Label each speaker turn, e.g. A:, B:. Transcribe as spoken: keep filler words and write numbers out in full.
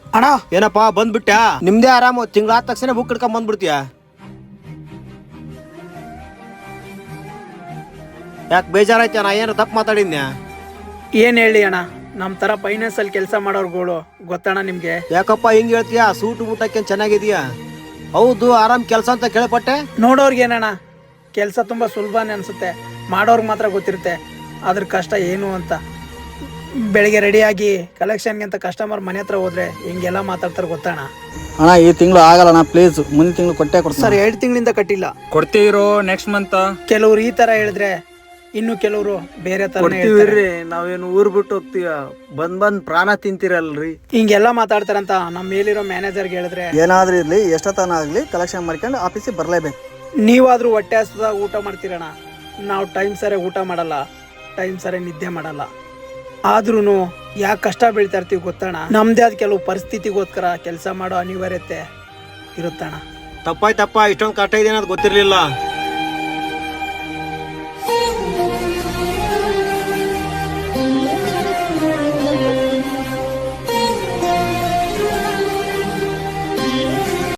A: ಅಣ್ಣ
B: ಏನಪ್ಪಾ ಬಂದ್ಬಿಟ್ಯಾ? ನಿಮ್ದೇ ಆರಾಮು, ತಿಂಗಳಾದ ತಕ್ಷಣ ಬುಕ್ ಹಿಡ್ಕೊಂಡ್ ಬಂದ್ಬಿಡ್ತೀಯ. ಯಾಕೆ ಬೇಜಾರಾಯ್ತ? ನಾ ಏನು ತಪ್ಪು ಮಾತಾಡಿದ್ನ್ಯಾ?
A: ಏನ್ ಹೇಳಿ ಅಣ್ಣ, ನಮ್ ತರ ಫೈನಾನ್ಸ್ ಅಲ್ಲಿ ಕೆಲಸ ಮಾಡೋರ್ಗಳು ಗೊತ್ತಣ್ಣ ನಿಮ್ಗೆ.
B: ಯಾಕಪ್ಪ ಹಿಂಗ್ ಹೇಳ್ತೀಯಾ? ಸೂಟು ಊಟಕ್ಕೆ ಚೆನ್ನಾಗಿದೀಯಾ? ಹೌದು, ಆರಾಮ್ ಕೆಲಸ ಅಂತ ಕೇಳಪಟ್ಟೆ.
A: ನೋಡೋರ್ಗೆ ಏನಣ್ಣ ಕೆಲಸ ತುಂಬಾ ಸುಲಭನೇ ಅನ್ಸುತ್ತೆ, ಮಾಡೋರ್ಗೆ ಮಾತ್ರ ಗೊತ್ತಿರುತ್ತೆ ಅದ್ರ ಕಷ್ಟ ಏನು ಅಂತ. ಬೆಳಿಗ್ಗೆ ರೆಡಿಯಾಗಿ ಕಲೆಕ್ಷನ್ಗೆ ಅಂತ ಕಸ್ಟಮರ್ ಮನೆ ಹತ್ರ ಹೋದ್ರೆ ಹಿಂಗೆಲ್ಲ ಮಾತಾಡ್ತಾರೆ ಗೊತ್ತಣ್ಣ.
C: ಅಣ್ಣ ಈ ತಿಂಗಳು ಆಗಲ್ಲ ಪ್ಲೀಸ್, ಮುಂದಿನ ತಿಂಗಳು ಕೊಟ್ಟೆ ಕೊಡ್ತೀನಿ.
A: ಸರ್ ಎರಡು ತಿಂಗಳಿಂದ ಕಟ್ಟಿಲ್ಲ.
D: ಕೊಡ್ತೀರೋ ನೆಕ್ಸ್ಟ್ ಮಂತ್?
A: ಕೆಲವ್ರು ಈ ತರ ಹೇಳಿದ್ರೆ, ಇನ್ನು ಕೆಲವರು ಬೇರೆ ತರ.
B: ನಾವೇನು ಊರ್ ಬಿಟ್ಟು ಹೋಗ್ತೀವ, ಬಂದ್ ಬಂದ್ ಪ್ರಾಣ ತಿಂತೀರಲ್ರಿ.
A: ಹಿಂಗೆಲ್ಲ ಮಾತಾಡ್ತಾರಂತ ನಮ್ಮ ಮೇಲಿರೋ ಮ್ಯಾನೇಜರ್ಗೆ ಹೇಳಿದ್ರೆ,
C: ಏನಾದ್ರೂ ಇರ್ಲಿ ಎಷ್ಟೊತ್ತನ ಆಗ್ಲಿ ಕಲೆಕ್ಷನ್ ಮಾಡ್ಕೊಂಡು ಆಫೀಸಿಗೆ ಬರ್ಲೇಬೇಕು.
A: ನೀವಾದ್ರೂ ಹೊಟ್ಟೆ ಹಸ್ದಾಗ ಊಟ ಮಾಡ್ತೀರಣ್ಣ, ನಾವು ಟೈಮ್ ಸರಿ ಊಟ ಮಾಡಲ್ಲ, ಟೈಮ್ ಸರಿ ನಿದ್ದೆ ಮಾಡಲ್ಲ. ಆದ್ರೂ ಯಾಕೆ ಕಷ್ಟ ಬೀಳ್ತಾ ಇರ್ತೀವಿ ಗೊತ್ತಣ್ಣ. ನಮ್ದೇ ಆದ ಕೆಲವು ಪರಿಸ್ಥಿತಿಗೋಸ್ಕರ ಕೆಲಸ ಮಾಡೋ ಅನಿವಾರ್ಯತೆ ಇರುತ್ತಣ್ಣ.
B: ತಪ್ಪಾಯ್ತಪ್ಪ, ಇಷ್ಟೊಂದು ಕಷ್ಟ ಇದೆ ಅನ್ನೋದು ಗೊತ್ತಿರ್ಲಿಲ್ಲ.